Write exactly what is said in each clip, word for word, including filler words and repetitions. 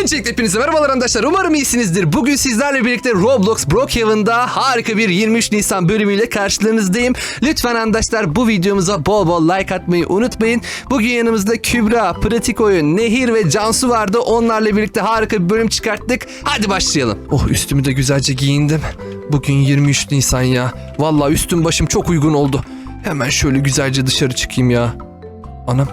Öncelikle hepinize merhabalar arkadaşlar. Umarım iyisinizdir. Bugün sizlerle birlikte Roblox Brookhaven'da harika bir yirmi üç Nisan bölümüyle karşılarınızdayım. Lütfen arkadaşlar bu videomuza bol bol like atmayı unutmayın. Bugün yanımızda Kübra, Pratik Oyun, Nehir ve Cansu vardı. Onlarla birlikte harika bir bölüm çıkarttık. Hadi başlayalım. Oh, üstümü de güzelce giyindim. Bugün yirmi üç Nisan ya. Vallahi üstüm başım çok uygun oldu. Hemen şöyle güzelce dışarı çıkayım ya. Anam.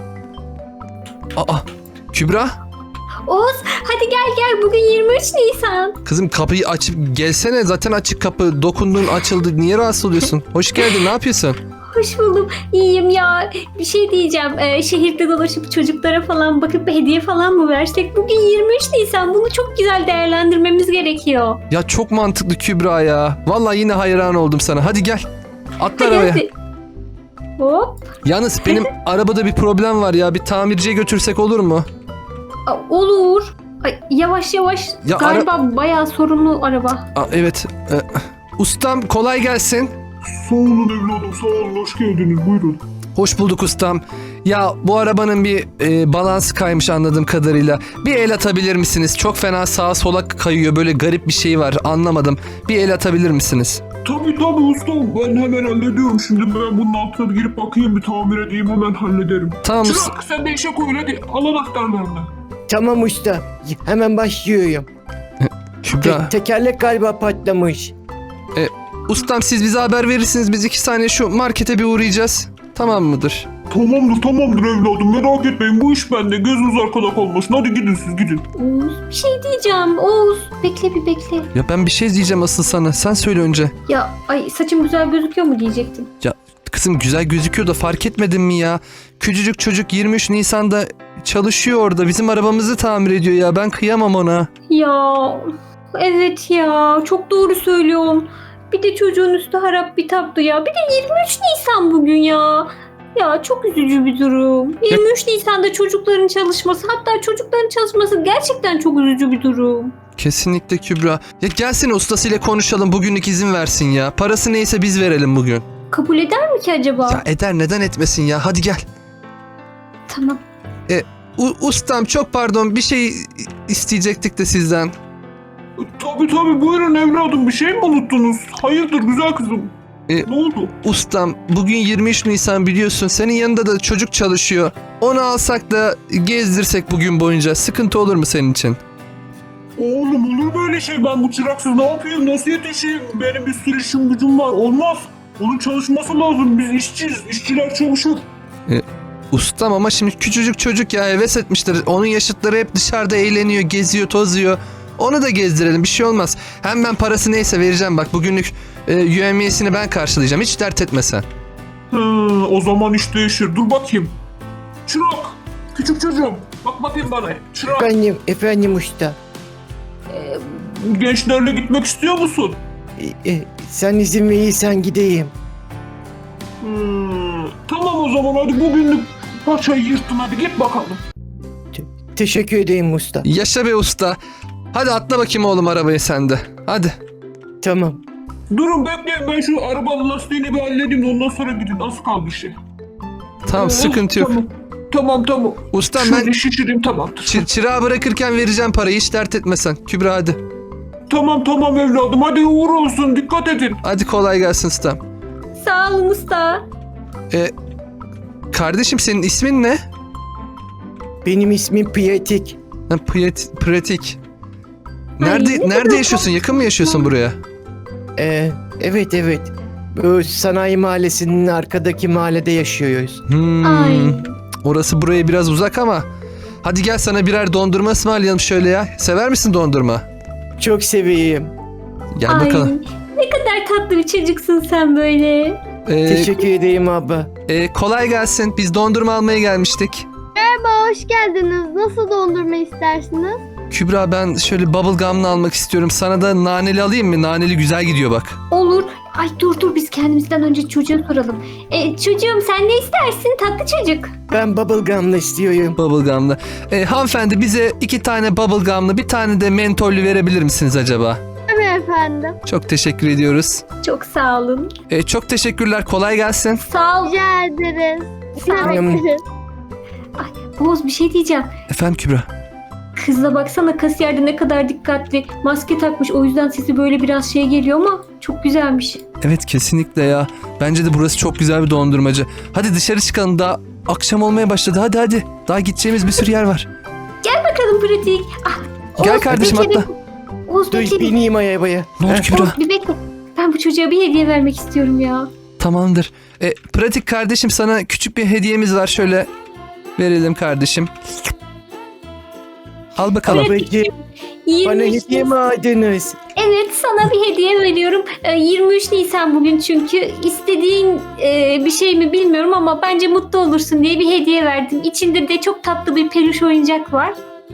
Aa, Kübra. Oğuz hadi gel gel, bugün yirmi üç Nisan. Kızım kapıyı açıp gelsene, zaten açık kapı. Dokundun açıldı, niye rahatsız oluyorsun? Hoş geldin, ne yapıyorsun? Hoş buldum. İyiyim ya. Bir şey diyeceğim. Ee, şehirde dolaşıp çocuklara falan bakıp hediye falan mı versek? Bugün yirmi üç Nisan. Bunu çok güzel değerlendirmemiz gerekiyor. Ya çok mantıklı Kübra ya. Vallahi yine hayran oldum sana. Hadi gel. Atla Hadi, arabaya. hadi. Hop. Yalnız benim arabada bir problem var ya. Bir tamirciye götürsek olur mu? Aa, olur. Ay, yavaş yavaş. Ya Galiba bayağı sorunlu araba. Aa, evet. Ee, ustam kolay gelsin. Sağ olun evladım, sağ olun. Hoş geldiniz, buyurun. Hoş bulduk ustam. Ya bu arabanın bir e, balansı kaymış anladığım kadarıyla. Bir el atabilir misiniz? Çok fena sağa sola kayıyor. Böyle garip bir şey var. Anlamadım. Bir el atabilir misiniz? Tabii tabii ustam, ben hemen hallediyorum. Şimdi ben bunun altına bir girip bakayım, bir tamir edeyim, hemen hallederim. Tamam. Çırak sen de işe koyun, hadi al anahtarlarını. Tamam usta. Hemen başlıyorum. Kübra. Te- tekerlek galiba patlamış. Ustam siz bize haber verirsiniz. Biz iki saniye şu markete bir uğrayacağız. Tamam mıdır? Tamamdır tamamdır evladım, merak etmeyin, bu iş bende, gözünüz arkada kalmasın. Hadi gidin siz gidin. Oğuz bir şey diyeceğim. Oğuz bekle bir bekle. Ya ben bir şey diyeceğim asıl sana. Sen söyle önce. Ya ay saçım güzel gözüküyor mu diyecektim. Kızım güzel gözüküyor da fark etmedin mi ya? Küçücük çocuk yirmi üç Nisan'da çalışıyor orada. Bizim arabamızı tamir ediyor ya. Ben kıyamam ona. Ya evet ya, çok doğru söylüyorsun. Bir de çocuğun üstü harap bitaptı ya. Bir de yirmi üç Nisan bugün ya. Ya çok üzücü bir durum. yirmi üç Nisan'da çocukların çalışması, hatta çocukların çalışması gerçekten çok üzücü bir durum. Kesinlikle Kübra. Ya gelsin ustasıyla konuşalım. Bugünlük izin versin ya. Parası neyse biz verelim bugün. Kabul eder mi ki acaba? Ya eder, neden etmesin ya. Hadi gel. Tamam. U- ustam çok pardon, bir şey isteyecektik de sizden. Tabii tabii, buyurun evladım, bir şey mi unuttunuz? Hayırdır güzel kızım? E, ne oldu? Ustam bugün yirmi üç Nisan biliyorsun. Senin yanında da çocuk çalışıyor. Onu alsak da gezdirsek bugün boyunca. Sıkıntı olur mu senin için? Oğlum olur böyle şey, ben bu çıraksız ne yapayım, nasıl yetişeyim? Benim bir sürü işim gücüm var, olmaz. Onun çalışması lazım, biz işçiyiz, işçiler çalışır. Ustam ama şimdi küçücük çocuk ya, heves etmiştir. Onun yaşıtları hep dışarıda eğleniyor, geziyor, tozuyor. Onu da gezdirelim, bir şey olmaz. Hem ben parası neyse vereceğim bak. Bugünlük e, yövmiyesini ben karşılayacağım. Hiç dert etme sen. Hı, o zaman iş değişir, dur bakayım. Çırak, küçük çocuğum, bak bakayım bana. Çırak, Efendim, efendim usta. gençlerle gitmek istiyor musun? E, e, sen izin verirsen gideyim. Hmm, tamam o zaman, hadi bugünlük paçayı yırttın, hadi git bakalım. Teşekkür edeyim usta. Yaşa be usta. Hadi atla bakayım oğlum arabaya sen de. Hadi. Tamam. Durun bekleyin, ben şu arabanın lastiğini bir halledeyim, ondan sonra gidin, az kaldı bir şey. Tamam, Ee, sıkıntı yok. Tamam tamam. tamam. Ustam Şöyle ben şişireyim, tamamdır. çı- çırağı bırakırken vereceğim parayı. Hiç dert etme sen. Kübra hadi. Tamam tamam evladım, hadi uğur olsun, dikkat edin. Hadi kolay gelsin ustam. Sağ olun usta. E, kardeşim senin ismin ne? Benim ismim Pratik. Ha, Piyet- pratik. Ay, Nerede ne nerede kadar yaşıyorsun? Yakın mı yaşıyorsun buraya? E, evet evet. Bu sanayi mahallesinin arkadaki mahallede yaşıyoruz. Hmm, Ay. orası buraya biraz uzak ama. Hadi gel sana birer dondurma ısmarlayalım şöyle ya. Sever misin dondurma? Çok seveyim. Gel Ay, bakalım. ne kadar tatlı bir çocuksun sen böyle. Ee, Teşekkür edeyim abla. e, kolay gelsin. Biz dondurma almaya gelmiştik. Merhaba, hoş geldiniz. Nasıl dondurma istersiniz? Kübra ben şöyle bubble gum'lı almak istiyorum. Sana da naneli alayım mı? Naneli güzel gidiyor bak. Olur. Ay dur dur, biz kendimizden önce çocuğa soralım. E, çocuğum sen ne istersin tatlı çocuk? Ben bubblegum'la istiyorum. Bubble gum'lı. E, hanımefendi bize iki tane bubble gum'lı, bir tane de mentollü verebilir misiniz acaba? Tabii efendim. Çok teşekkür ediyoruz. Çok sağ olun. E, çok teşekkürler. Kolay gelsin. Sağ ol. Rica ederiz. Sağ ol. Tamam. Oğuz bir şey diyeceğim. Efendim Kübra. Kızla baksana, kasiyerde ne kadar dikkatli. Maske takmış, o yüzden sesi böyle biraz şey geliyor ama çok güzelmiş. Evet kesinlikle ya. Bence de burası çok güzel bir dondurmacı. Hadi dışarı çıkalım, daha akşam olmaya başladı. Hadi hadi. Daha gideceğimiz bir sürü yer var. Bakalım pratik. Ah, Gel Oğuz, kardeşim bir kere- atla. Oğuz Dur bekle bir. bineyim arabaya. Ne oldu Heh. Kübra? Oğuz bir bekle. Ben bu çocuğa bir hediye vermek istiyorum ya. Tamamdır. E, pratik kardeşim, sana küçük bir hediyemiz var. Şöyle verelim kardeşim. Al bakalım. Babacığım bana yirmi üç hediye mi aldınız? Evet, sana bir hediye veriyorum. Ee, yirmi üç Nisan bugün çünkü. İstediğin e, bir şey mi bilmiyorum ama bence mutlu olursun diye bir hediye verdim. İçinde de çok tatlı bir peluş oyuncak var.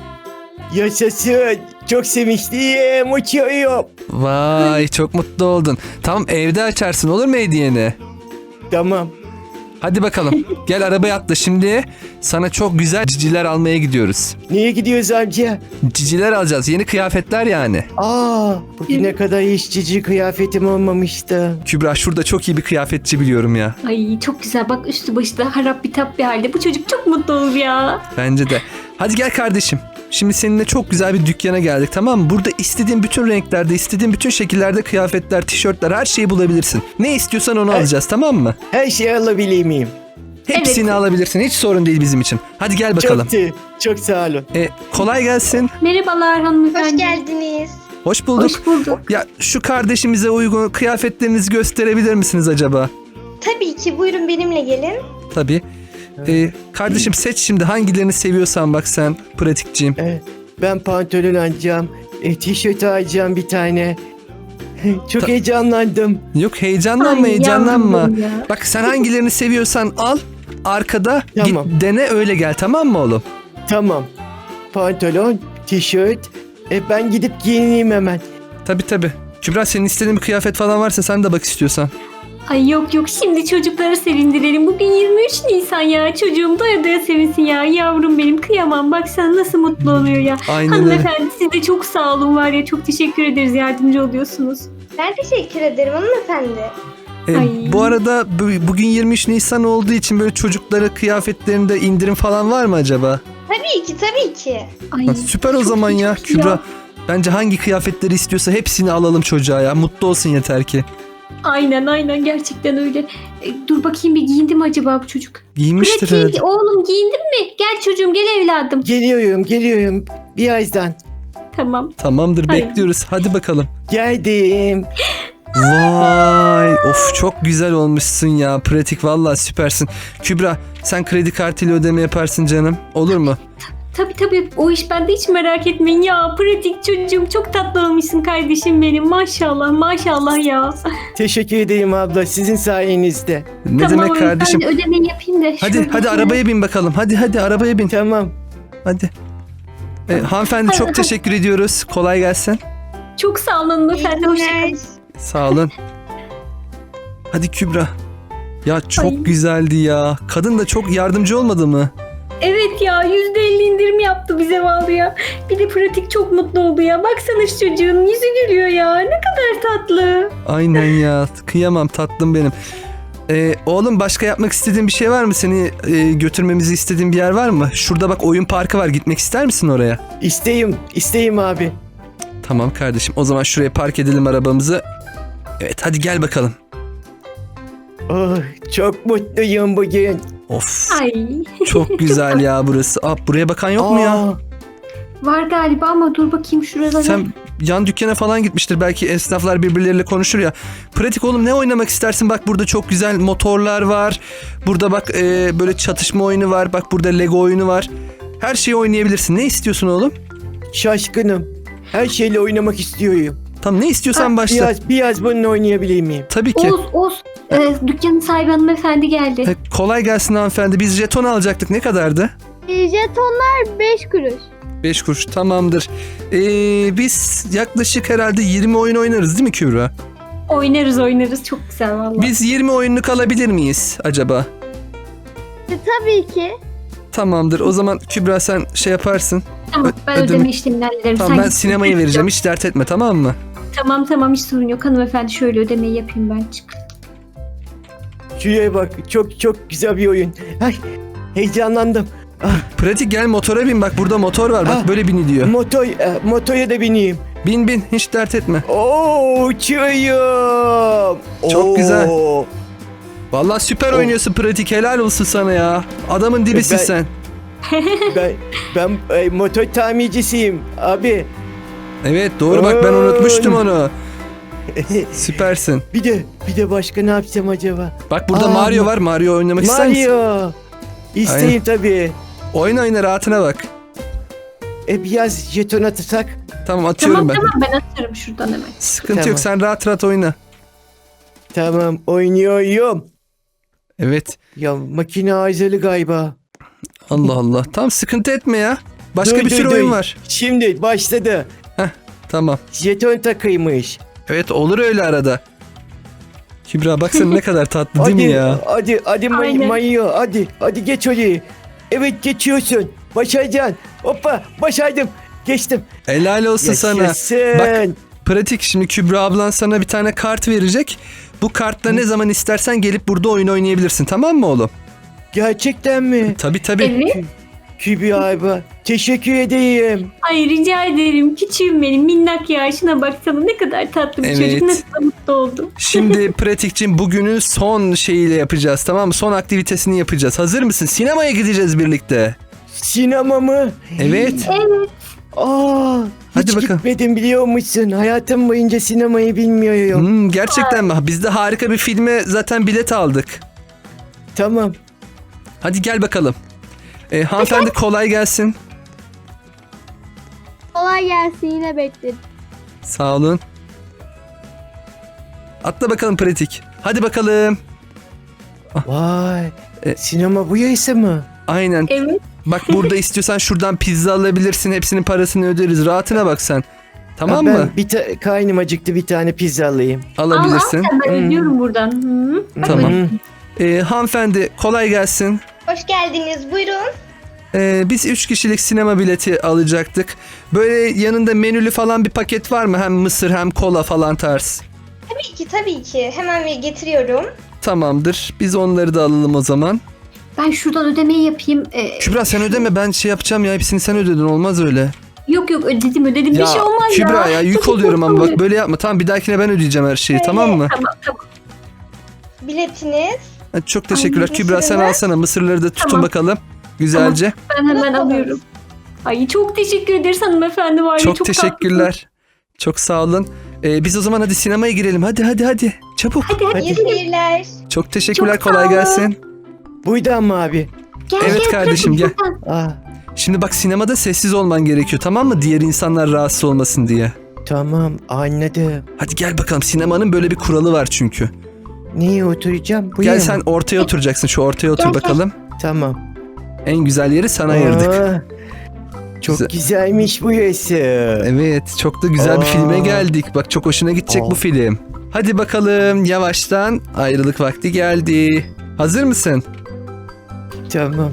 Yaşasın. Çok sevinçliyim. Uçuyorum. Vay, çok mutlu oldun. Tamam, evde açarsın, olur mu hediyeni? Tamam. Hadi bakalım. Gel arabaya atla şimdi. Sana çok güzel ciciler almaya gidiyoruz. Niye gidiyoruz amca? Ciciler alacağız. Yeni kıyafetler yani. Aa, bugüne kadar hiç cici kıyafetim olmamıştı. Kübra, şurada çok iyi bir kıyafetçi biliyorum ya. Ay çok güzel, bak üstü başı da harap bitap bir halde. Bu çocuk çok mutlu olur ya. Bence de. Hadi gel kardeşim. Şimdi seninle çok güzel bir dükkana geldik, tamam mı? Burada istediğin bütün renklerde, istediğin bütün şekillerde kıyafetler, tişörtler, her şeyi bulabilirsin. Ne istiyorsan onu Evet. alacağız, tamam mı? Her şeyi alabilir miyim? Hepsini Evet. alabilirsin. Hiç sorun değil bizim için. Hadi gel bakalım. Çok, te- çok sağ olun. E, kolay gelsin. Merhabalar hanımefendi. Hoş geldiniz. Hoş bulduk. Hoş bulduk. Ya şu kardeşimize uygun kıyafetlerinizi gösterebilir misiniz acaba? Tabii ki, buyurun benimle gelin. Tabii. E, kardeşim seç şimdi, hangilerini seviyorsan bak sen, pratikçiyim. Evet, ben pantolon alacağım. E, tişört alacağım bir tane. Çok Ta- heyecanlandım. Yok, heyecanlanma Ay, heyecanlanma. yavrum ya. Bak sen hangilerini seviyorsan al. Arkada Tamam. git dene, öyle gel, tamam mı oğlum? Tamam. Pantolon, tişört. E, ben gidip giyineyim hemen. Tabii tabii. Kübra, senin istediğin bir kıyafet falan varsa sen de bak istiyorsan. Ay yok yok, şimdi çocukları sevindirelim. Bugün yirmi üç Nisan ya. Çocuğum doya doya sevinsin ya. Yavrum benim, kıyamam. Bak sen nasıl mutlu oluyor ya. Aynen öyle. Hanımefendi siz de çok sağ olun var ya. Çok teşekkür ederiz, yardımcı oluyorsunuz. Ben teşekkür ederim hanımefendi. E, Ay. bu arada bu- bugün yirmi üç Nisan olduğu için böyle çocuklara kıyafetlerinde indirim falan var mı acaba? Tabii ki, tabii ki. Ay, Ha, süper o çok zaman iyi, ya çok iyi Kübra. Bence hangi kıyafetleri istiyorsa hepsini alalım çocuğa ya. Mutlu olsun yeter ki. Aynen aynen, gerçekten öyle. E, dur bakayım, bir giyindi mi acaba bu çocuk? Giyinmiştir herhalde. Pratik, oğlum giyindin mi? Gel çocuğum, gel evladım. Geliyorum, geliyorum. Birazdan. Tamam. Tamamdır, Hayır. bekliyoruz. Hadi bakalım. Geldim. Vay, of çok güzel olmuşsun ya. Pratik, vallahi süpersin. Kübra, sen kredi kartıyla ödeme yaparsın canım. Olur mu? Tabii tabii, o iş bende, hiç merak etmeyin ya. Pratik çocuğum, çok tatlı olmuşsun kardeşim benim. Maşallah maşallah ya. Teşekkür ederim abla. Sizin sayenizde. Ne tamam, demek kardeşim? ben de ödemeyi yapayım da. Hadi şöyle hadi şöyle. arabaya bin bakalım. Hadi hadi arabaya bin. Tamam. Hadi. E, hanımefendi çok teşekkür ediyoruz. Kolay gelsin. Çok sağ olun İyi hanımefendi, günler. hoşçakalın. Sağ olun. Hadi Kübra. Ya çok Ay. güzeldi ya. Kadın da çok yardımcı olmadı mı? Evet ya, yüzde elli indirim yaptı bize vallahi ya. Bir de pratik çok mutlu oldu ya. Baksana şu çocuğun yüzü gülüyor ya. Ne kadar tatlı. Aynen ya. Kıyamam tatlım benim. Ee, oğlum, başka yapmak istediğin bir şey var mı? Seni e, götürmemizi istediğin bir yer var mı? Şurada bak oyun parkı var. Gitmek ister misin oraya? İsteyim, isteyim abi. Tamam kardeşim. O zaman şuraya park edelim arabamızı. Evet, hadi gel bakalım. Oh, çok mutluyum bugün. Of. Ay. Çok güzel ya burası. Aa, buraya bakan yok mu ya? Aa, Var galiba ama dur bakayım şurada. Sen yan dükkana falan gitmiştir. Belki esnaflar birbirleriyle konuşur ya. Pratik oğlum, ne oynamak istersin? Bak burada çok güzel motorlar var. Burada bak e, böyle çatışma oyunu var. Bak burada Lego oyunu var. Her şeyi oynayabilirsin. Ne istiyorsun oğlum? şaşkınım. Her şeyle oynamak istiyorum. Tamam, ne istiyorsan başla. Biraz, biraz bununla oynayabilir miyim? Tabii ki. Oğuz, Oğuz. Ee, dükkanın sahibi hanımefendi geldi. E, kolay gelsin hanımefendi. Biz jeton alacaktık. Ne kadardı? E, jetonlar beş kuruş. beş kuruş. Tamamdır. Ee, biz yaklaşık herhalde yirmi oyun oynarız değil mi Kübra? Oynarız oynarız, çok güzel vallahi. Biz yirmi oyunluk alabilir miyiz acaba? E, tabii ki. Tamamdır. O zaman Kübra sen şey yaparsın. Tamam, ben ödeme- ödeme işlemini hallederim. Tamam, Sen ben git. sinemaya vereceğim. Hiç dert etme, tamam mı? Tamam tamam, hiç sorun yok hanımefendi, şöyle ödemeyi yapayım ben, çık. Şuraya bak. Çok çok güzel bir oyun. Ay, heyecanlandım. Pratik gel motora bin, bak burada motor var, bak Ah. böyle biniliyor. Motor, e, motora da bineyim. Bin bin, hiç dert etme. Oo, uçuyorum. Çok güzel. Oo. Vallahi süper Oh. oynuyorsun Pratik, helal olsun sana ya. Adamın dibisin Ben- sen. Ben ben e, motor tamircisiyim abi. Evet doğru, bak ben Oy. unutmuştum onu. Süpersin. Bir de bir de başka ne yapsam acaba? Bak burada Aa, Mario Ma- var, Mario oynamak ister misin? Mario. İsteyim tabii. Oyna oyna, rahatına bak. E biraz jeton atsak. Tamam atıyorum Tamam ben. tamam ben atarım şuradan hemen. Sıkıntı Tamam. yok, sen rahat rahat oyna. Tamam, oynuyorum. Evet. Ya makine arızalı galiba. Allah Allah. Tamam, sıkıntı etme ya. Başka Duy, bir duy, sürü duy. oyun var. Şimdi başladı. Tamam. Jeton takıymış. Evet olur öyle arada. Kübra baksana ne kadar tatlı değil Hadi, mi ya? hadi, hadi may- Aynen. Mayo, hadi, hadi geç orayı. Evet geçiyorsun. Başaracaksın. Hoppa, başardım. Geçtim. Helal olsun sana. Yaşasın. Bak, pratik, şimdi Kübra ablan sana bir tane kart verecek. Bu kartla ne zaman istersen gelip burada oyun oynayabilirsin, tamam mı oğlum? Gerçekten mi? Tabii tabii. Evet. Kübra abi, teşekkür edeyim. Ay rica ederim. Küçüğüm benim minnak ya. Şuna baksana ne kadar tatlı bir Evet. çocuk. Ne kadar mutlu oldum. Şimdi pratikçim bugünün son şeyiyle yapacağız, tamam mı? Son aktivitesini yapacağız. Hazır mısın? Sinemaya gideceğiz birlikte. Sinema mı? Evet. Evet. Aa, Hadi hiç bakalım. gitmedim biliyor musun? Hayatım boyunca sinemayı bilmiyorum. Hmm, gerçekten mi? Biz de harika bir filme zaten bilet aldık. Tamam. Hadi gel bakalım. Ee, hanımefendi kolay gelsin. Kolay gelsin, yine bekledim. Sağ olun. Atla bakalım pratik. Hadi bakalım. Vay. E- Sinema bu yayısı mı? Aynen. Evet. Bak burada istiyorsan şuradan pizza alabilirsin. Hepsinin parasını öderiz. Rahatına bak sen. Tamam Ha, mı? Ben bir ta- karnım acıktı, bir tane pizza alayım. Alabilirsin. Al, al sen ben Hmm. ödüyorum buradan. Hı. Tamam. Hmm. Ee, hanımefendi kolay gelsin. Hoş geldiniz. Buyurun. Ee, biz üç kişilik sinema bileti alacaktık. Böyle yanında menülü falan bir paket var mı? Hem mısır hem kola falan tarz. Tabii ki, tabii ki. Hemen bir getiriyorum. Tamamdır. Biz onları da alalım o zaman. Ben şuradan ödemeyi yapayım. Ee, Kübra sen ödeme, ben şey yapacağım ya, hepsini sen ödedin, olmaz öyle. yok yok ödedim ödedim. Bir şey olmaz ya. Kübra ya yük Çok oluyorum ama mutlu bak böyle yapma. Tamam, bir dahakine ben ödeyeceğim her şeyi, Öyle. tamam mı? Tamam tamam. Biletiniz. Hadi çok teşekkürler. Ay, Kübra sen mısırlar. alsana, mısırları da tutun Tamam. bakalım. Güzelce. Ben hemen Nasıl? alıyorum. Ay çok teşekkür ederiz hanımefendi var ya. Çok, Çok teşekkürler. Çok sağ olun. Ee, biz o zaman hadi sinemaya girelim. Hadi hadi hadi. Çabuk. tatlısın. Hadi hadi. İyi seyirler. Çok teşekkürler. Çok sağ Kolay olun. gelsin. Buydu ama abi. Gel, Evet gel, kardeşim, bırakın gel. buradan. Aa, Şimdi bak, sinemada sessiz olman gerekiyor, tamam mı? Diğer insanlar rahatsız olmasın diye. tamam, anladım. Hadi gel bakalım. Sinemanın böyle bir kuralı var çünkü. Niye oturacağım? Bu Gel yana sen mı? ortaya oturacaksın. Şu ortaya otur Gel, gel. bakalım. Tamam. En güzel yeri sana ayırdık. Aa, çok Güzel. güzelmiş bu yayısı. Evet, çok da güzel bir Aa. filme geldik. Bak çok hoşuna gidecek Aa. bu film. Hadi bakalım, yavaştan ayrılık vakti geldi. Hazır mısın? Tamam.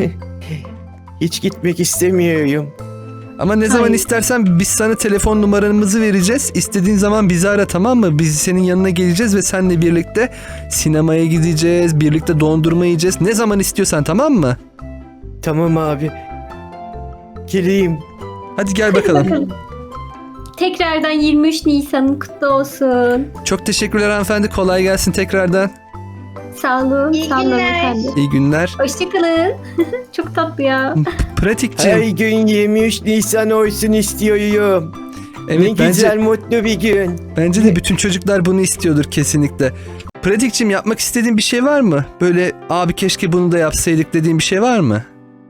Hiç gitmek istemiyorum. Ama ne zaman Hayır. istersen biz sana telefon numaramızı vereceğiz. İstediğin zaman bizi ara, tamam mı? Biz senin yanına geleceğiz ve seninle birlikte sinemaya gideceğiz. Birlikte dondurma yiyeceğiz. Ne zaman istiyorsan, tamam mı? Tamam abi. Geleyim. Hadi gel bakalım. Bakalım. Tekrardan yirmi üç Nisan'ın kutlu olsun. Çok teşekkürler hanımefendi. Kolay gelsin tekrardan. Sağ olun. İyi sağ olun günler. efendim. İyi günler. Hoşçakalın. Çok tatlı ya. Pratikçim. Her gün yirmi üç Nisan olsun istiyorum. Evet, ne bence, güzel mutlu bir gün. bence de bütün çocuklar bunu istiyordur kesinlikle. Pratikçim, yapmak istediğin bir şey var mı? Böyle abi keşke bunu da yapsaydık dediğin bir şey var mı?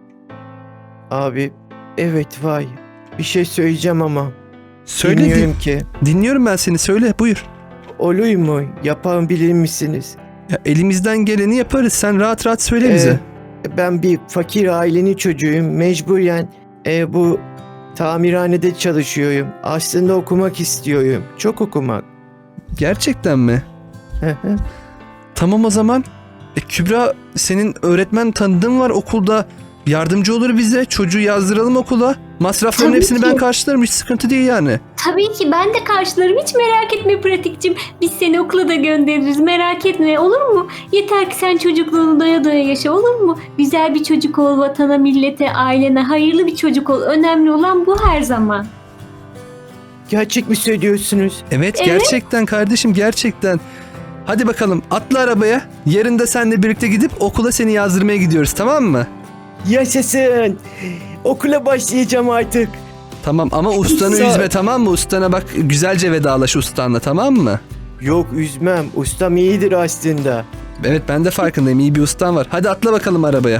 Abi evet vay. Bir şey söyleyeceğim ama. Söyle. Bilmiyorum ki. Dinliyorum ben seni, söyle buyur. Olur mu? Yapar bilir misiniz? Ya, elimizden geleni yaparız. Sen rahat rahat söyle bize. Ee, ben bir fakir ailenin çocuğuyum. Mecburen e, bu tamirhanede çalışıyorum. Aslında okumak istiyorum. Çok okumak. Gerçekten mi? Hı hı. Tamam o zaman. E, Kübra, senin öğretmen tanıdığın var okulda. yardımcı olur bize. Çocuğu yazdıralım okula. Masrafların Tabii hepsini ki. ben karşılarım. Hiç sıkıntı değil yani. Tabii ki ben de karşılarım. Hiç merak etme pratikçim. Biz seni okula da göndeririz. Merak etme, olur mu? Yeter ki sen çocukluğunu doya doya yaşa, olur mu? Güzel bir çocuk ol, vatana, millete, ailene hayırlı bir çocuk ol. Önemli olan bu her zaman. Gerçek mi söylüyorsunuz? Evet, Evet. gerçekten kardeşim, gerçekten. Hadi bakalım atla arabaya. Yarın da seninle birlikte gidip okula seni yazdırmaya gidiyoruz, tamam mı? Yaşasın. Okula başlayacağım artık. Tamam ama ustanı Sağ ol. üzme, tamam mı? Ustana bak, güzelce vedalaş ustanla, tamam mı? Yok üzmem. Ustam iyidir aslında. Evet, ben de farkındayım. İyi bir ustan var. Hadi atla bakalım arabaya.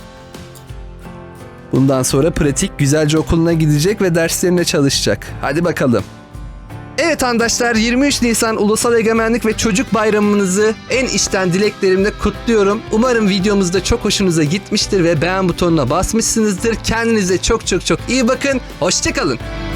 Bundan sonra pratik güzelce okuluna gidecek ve derslerine çalışacak. Hadi bakalım. Evet arkadaşlar, yirmi üç Nisan Ulusal Egemenlik ve Çocuk Bayramınızı en içten dileklerimle kutluyorum. Umarım videomuz da çok hoşunuza gitmiştir ve beğen butonuna basmışsınızdır. Kendinize çok çok çok iyi bakın. Hoşça kalın.